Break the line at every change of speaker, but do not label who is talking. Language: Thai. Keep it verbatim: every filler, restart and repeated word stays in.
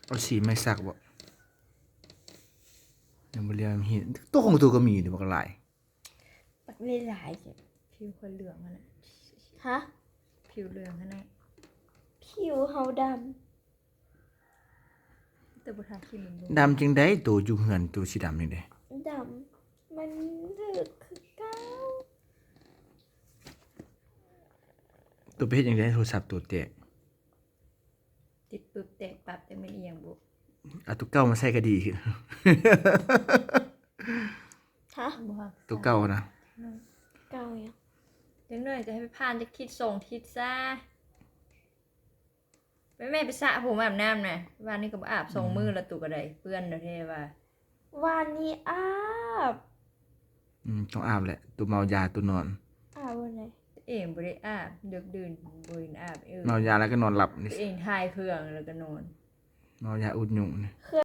เอาสีไม่สักบ่ยังบ่เรียนเห็นตัวของตัวก็มีเดี๋ยวมันก็หลาย
ปักเล่หลายจ้ะ
ผิวคนเหลืองอะนะ
ฮะ
ผิวเหลืองอะนะ
ผิวเฮาด
แต่บุทาคิมมันดู
ดำจังได้ตัวอยู่เหือนตัวสีดำนี่เด้
ำดำมันถึกคือเก้า
ตัวไปเฮ็ดจังได๋โทรศัพท์ตัวแตก
ติดปึ๊บแตกปับแต่ไม่เอียงบุ
เอาตัวเก่ามาใส่ก็ดีขึ้น
ฮะ
บุฮัก
ตัวเก่านะ
เก้ายัง
เดี๋ยวหน่อยจะให้ไปพานจะคิดส่งทิศซะไปแม่ไปสระผมอาบน้ำน่ะวันนี้ก็บ่อาบส่งมือละตุกระไดเปื้อนเด้อเทว่า
วันนี้อาบ
อืมต้องอาบแหละ ตัวเมายาตัวนอน
อาบวันไหน
ตัวเองบ่ได้อาบดึกดื่นบ่ได้อาบเออ
เมายาแล้วก็นอนหลับนี่
ตัวเองทายเครื่องแล้วก็นอน
เมายาอุดยุงนี่